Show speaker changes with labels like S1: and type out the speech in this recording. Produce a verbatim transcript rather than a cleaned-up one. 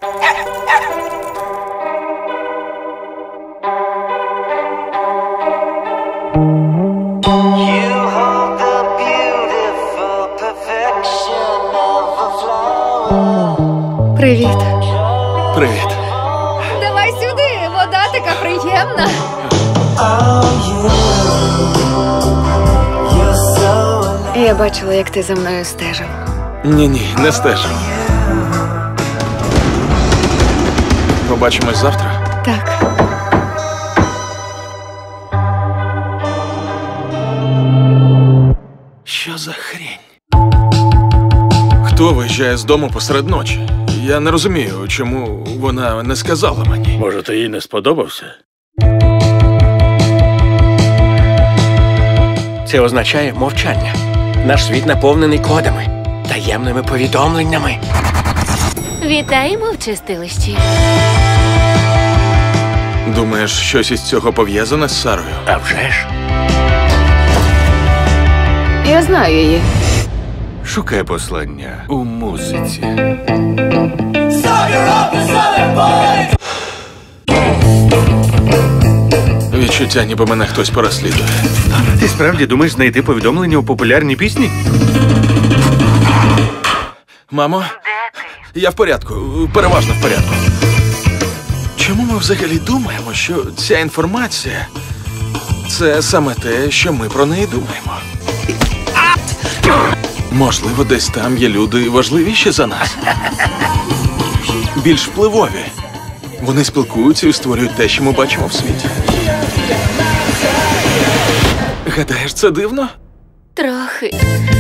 S1: Привіт.
S2: Привіт.
S1: Давай сюди, вода така приємна. Я бачила, як ти за мною стежив.
S2: Ні-ні, не стежу. Побачимось завтра?
S1: Так.
S2: Що за хрень? Хто виїжджає з дому посеред ночі? Я не розумію, чому вона не сказала мені.
S3: Може, ти їй не сподобався?
S4: Це означає мовчання. Наш світ наповнений кодами, таємними повідомленнями.
S5: Вітаємо в чистилищі.
S2: Думаєш, щось із цього пов'язане з Сарою?
S4: А вже ж.
S1: Я знаю її.
S3: Шукай послання у музиці.
S2: Відчуття, ніби мене хтось переслідує.
S3: Ти справді думаєш знайти повідомлення у популярній пісні?
S2: Мамо? Я в порядку, переважно в порядку. Чому ми взагалі думаємо, що ця інформація – це саме те, що ми про неї думаємо? Можливо, десь там є люди важливіші за нас. Більш впливові. Вони спілкуються і створюють те, що ми бачимо в світі. Гадаєш, це дивно?
S5: Трохи.